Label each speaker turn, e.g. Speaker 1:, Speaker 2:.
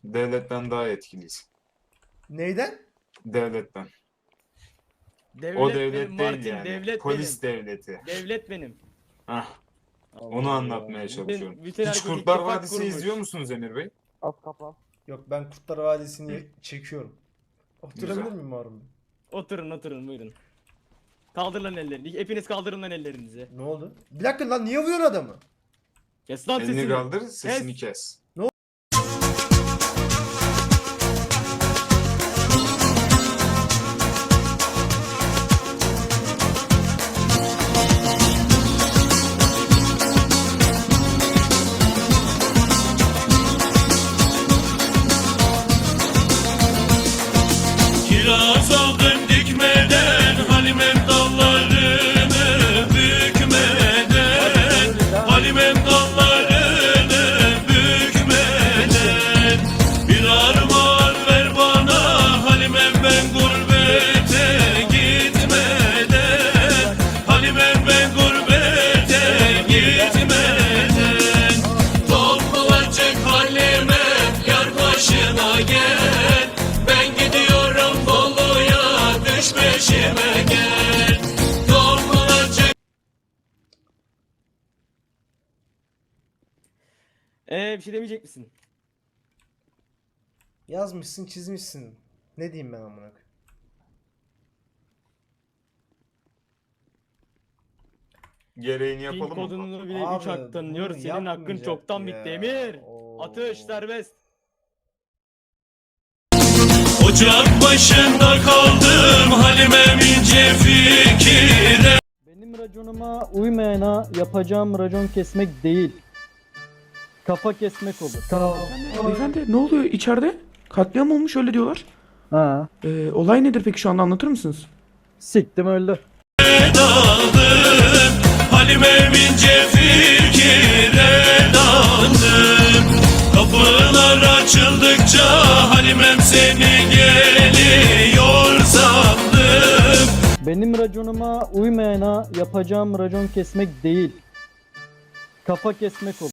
Speaker 1: Devletten daha etkiliyiz.
Speaker 2: Neyden?
Speaker 1: Devletten.
Speaker 3: Devlet
Speaker 1: O devlet
Speaker 3: benim,
Speaker 1: değil
Speaker 3: Martin,
Speaker 1: yani.
Speaker 3: devlet
Speaker 1: Polis
Speaker 3: benim.
Speaker 1: devleti.
Speaker 3: Devlet benim.
Speaker 1: Hah,
Speaker 4: Allah
Speaker 1: onu
Speaker 4: Allah.
Speaker 1: anlatmaya çalışıyorum.
Speaker 3: bütün
Speaker 1: Hiç
Speaker 3: herkes
Speaker 1: Kurtlar
Speaker 3: ittifak
Speaker 1: Vadisi
Speaker 3: kurmuş.
Speaker 1: izliyor musunuz Emir Bey?
Speaker 4: Az kapan.
Speaker 2: Yok, ben Kurtlar Vadisi'ni çekiyorum. Oturabilir
Speaker 1: Güzel.
Speaker 2: miyim Harun Bey?
Speaker 3: Oturun buyurun. Kaldırın lan ellerini. Hepiniz kaldırın lan ellerinizi.
Speaker 2: Ne oldu? Bir dakika lan, niye vuruyorsun adamı?
Speaker 3: Kes lan
Speaker 1: Elini
Speaker 3: sesini.
Speaker 1: kaldır, sesini kes.
Speaker 5: Kiraz aldım dikmeden, Halimem dallarını bükmeden, Halimem dallarını bükmeden. Bir armağan ver bana, Halimem ben gurbete gitmeden, Halimem ben gurbete gitmeden. Toplayacak Halimem, yar başına gel, ben gidiyorum Bolu'ya, düş peşime gel. Toplayacak.
Speaker 3: Bir şey demeyecek misin?
Speaker 2: Yazmışsın, çizmişsin. Ne diyeyim ben amına koyayım?
Speaker 1: Gereğini
Speaker 3: Pin
Speaker 1: yapalım mı?
Speaker 3: kodunu bile 3
Speaker 2: Abi,
Speaker 3: hak tanıyor.
Speaker 2: bunu
Speaker 3: Senin hakkın
Speaker 2: yapmayacak
Speaker 3: çoktan
Speaker 2: ya.
Speaker 3: bitti Emir.
Speaker 2: Oo.
Speaker 3: Atış serbest.
Speaker 5: Ocak başında kaldım, Halimem ince fikire.
Speaker 4: Benim raconuma uymayana yapacağım racon kesmek değil. Kafa kesmek olur.
Speaker 6: Beyefendi ne oluyor içeride? Katliam olmuş öyle diyorlar.
Speaker 4: Ha.
Speaker 6: Olay nedir peki şu anda anlatır mısınız?
Speaker 4: Siktim öldü.
Speaker 5: Daldım, Halimem ince fikire daldım. Kapılar açıldıkça Halimem seni geliyor sandım.
Speaker 4: Benim raconuma uymayana yapacağım racon kesmek değil. Kafa kesmek olur.